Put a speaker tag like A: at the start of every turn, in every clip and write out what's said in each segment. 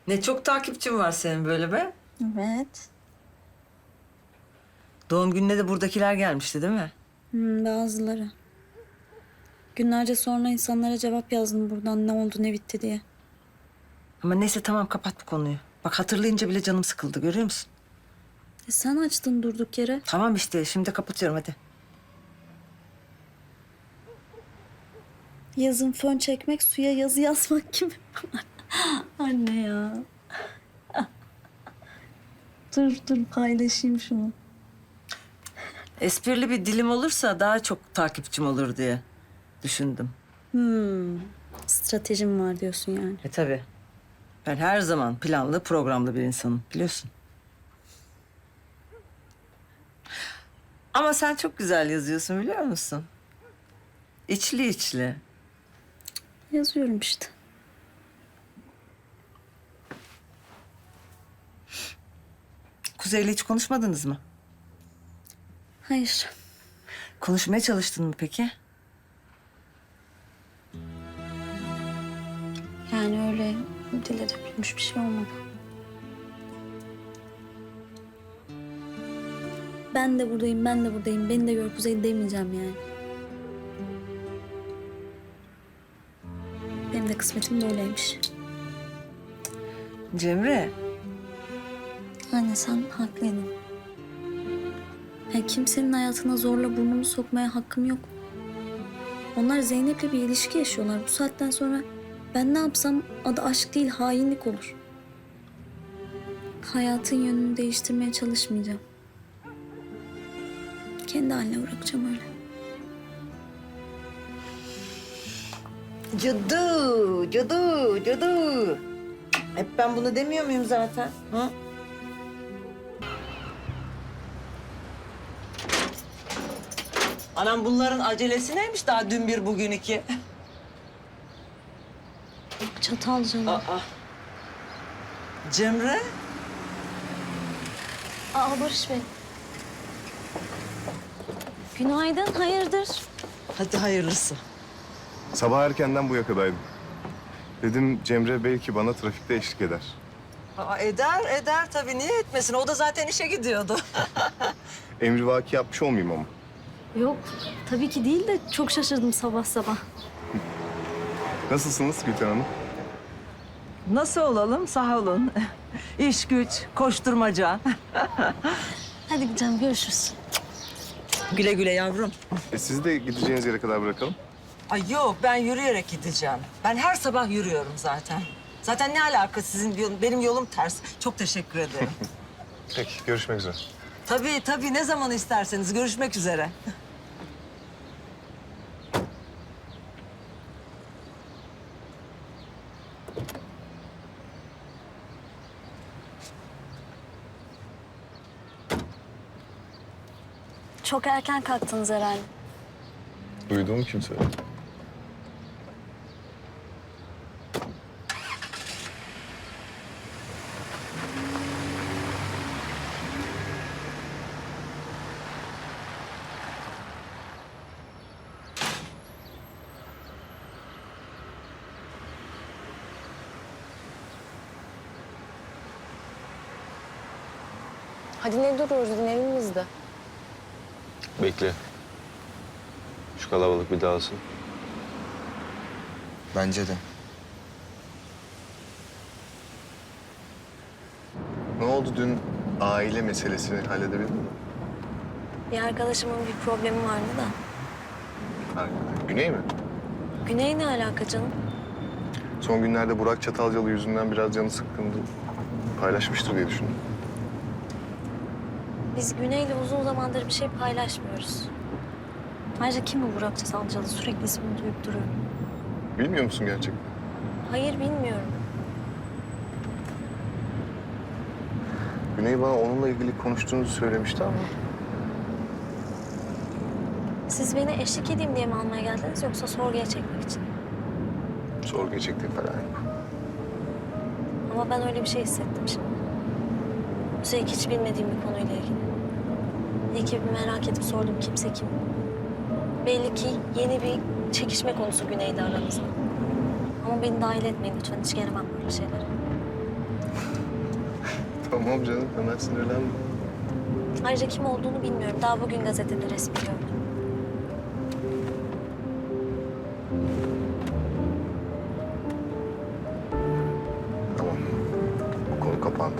A: Ne çok takipçin var senin böyle be.
B: Evet.
A: Doğum gününe de buradakiler gelmişti değil mi?
B: Bazıları. Günlerce sonra insanlara cevap yazdım buradan ne oldu ne bitti diye.
A: Ama neyse tamam kapat bu konuyu. Bak hatırlayınca bile canım sıkıldı görüyor musun?
B: Sen açtın durduk yere.
A: Tamam işte şimdi kapatıyorum hadi.
B: Yazın fön çekmek, suya yazı yazmak gibi. Anne ya. Dur paylaşayım şunu.
A: Esprili bir dilim olursa daha çok takipçim olur diye düşündüm.
B: Stratejim var diyorsun yani.
A: Tabii. Ben her zaman planlı, programlı bir insanım biliyorsun. Ama sen çok güzel yazıyorsun biliyor musun? İçli içli.
B: Yazıyorum işte.
A: Kuzey'le hiç konuşmadınız mı?
B: Hayır.
A: Konuşmaya çalıştın mı peki?
B: Yani öyle dile dökülmüş bir şey olmadı. Ben de buradayım, ben de buradayım. Beni de gör Kuzey demeyeceğim yani. Benim de kısmetim böyleymiş.
A: Cemre,
B: Anne sen haklıydın. Ya kimsenin hayatına zorla burnumu sokmaya hakkım yok. Onlar Zeynep'le bir ilişki yaşıyorlar. Bu saatten sonra ben ne yapsam adı aşk değil hainlik olur. Hayatın yönünü değiştirmeye çalışmayacağım. Kendi haline bırakacağım öyle.
A: cadı. Hep ben bunu demiyor muyum zaten? Hı? Anam bunların acelesi neymiş daha dün bir bugün iki?
B: Çatalcalı.
A: Aa. Cemre?
B: Barış Bey. Günaydın, hayırdır?
A: Hadi hayırlısı.
C: Sabah erkenden bu yakadaydım. Dedim Cemre belki bana trafikte eşlik eder.
A: Aa, eder tabii. Niye etmesin? O da zaten işe gidiyordu.
C: Emrivaki yapmış olmayayım ama.
B: Yok, tabii ki değil de çok şaşırdım sabah sabah.
C: Nasılsınız Gülten Hanım?
A: Nasıl olalım? Sağ olun. İş güç, koşturmaca.
B: Hadi gidelim, görüşürüz.
A: Güle güle yavrum.
C: Sizi de gideceğiniz yere kadar bırakalım.
A: Ay yok, ben yürüyerek gideceğim. Ben her sabah yürüyorum zaten. Zaten ne alaka sizin yolun, benim yolum ters. Çok teşekkür ederim.
C: Peki, görüşmek üzere.
A: Tabii, ne zaman isterseniz. Görüşmek üzere.
B: Çok erken kalktınız herhalde.
C: Duyduğum kim söyledi?
D: Hadi ne duruyoruz dinleyelim biz de.
E: Bekle. Şu kalabalık bir dağılsın.
F: Bence de.
C: Ne oldu dün aile meselesini halledebildin mi?
B: Bir arkadaşımın bir problemi vardı da.
C: Ha, Güney mi?
B: Güney ne alaka canım?
C: Son günlerde Burak Çatalcalı yüzünden biraz canı sıkkındı. Paylaşmıştır diye düşündüm.
B: Biz Güney'le uzun zamandır bir şey paylaşmıyoruz. Ayrıca kim bu Burak Çatalcalı? Sürekli ismini duyup duruyor.
C: Bilmiyor musun gerçekten?
B: Hayır, bilmiyorum.
C: Güney bana onunla ilgili konuştuğunuzu söylemişti ama...
B: Siz beni eşlik edeyim diye mi almaya geldiniz yoksa sorguya çekmek için?
C: Sorguya çektiğim falan yok.
B: Ama ben öyle bir şey hissettim şimdi. Üstelik hiç bilmediğim bir konuyla ilgili. İyi ki bir merak edip sordum kimse kim. Belli ki yeni bir çekişme konusu Güney'le aranızda. Ama beni dahil etmeyin lütfen. Hiç gelemem böyle şeylere.
C: Tamam canım, hemen sinirlenme.
B: Ayrıca kim olduğunu bilmiyorum. Daha bugün gazetede resmi gördüm.
C: Tamam, bu konu kapandı.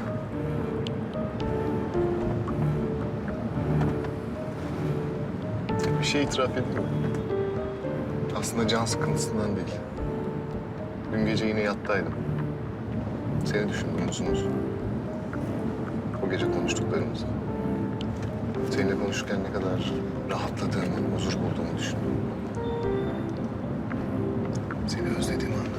C: Bir şey itiraf edeyim mi? Aslında can sıkıntısından değil. Dün gece yine yattaydım. Seni düşündüm uzun uzun. O gece konuştuklarımızı. Seninle konuşurken ne kadar rahatladığımı, huzur bulduğumu düşündüm. Seni özlediğimi anladım.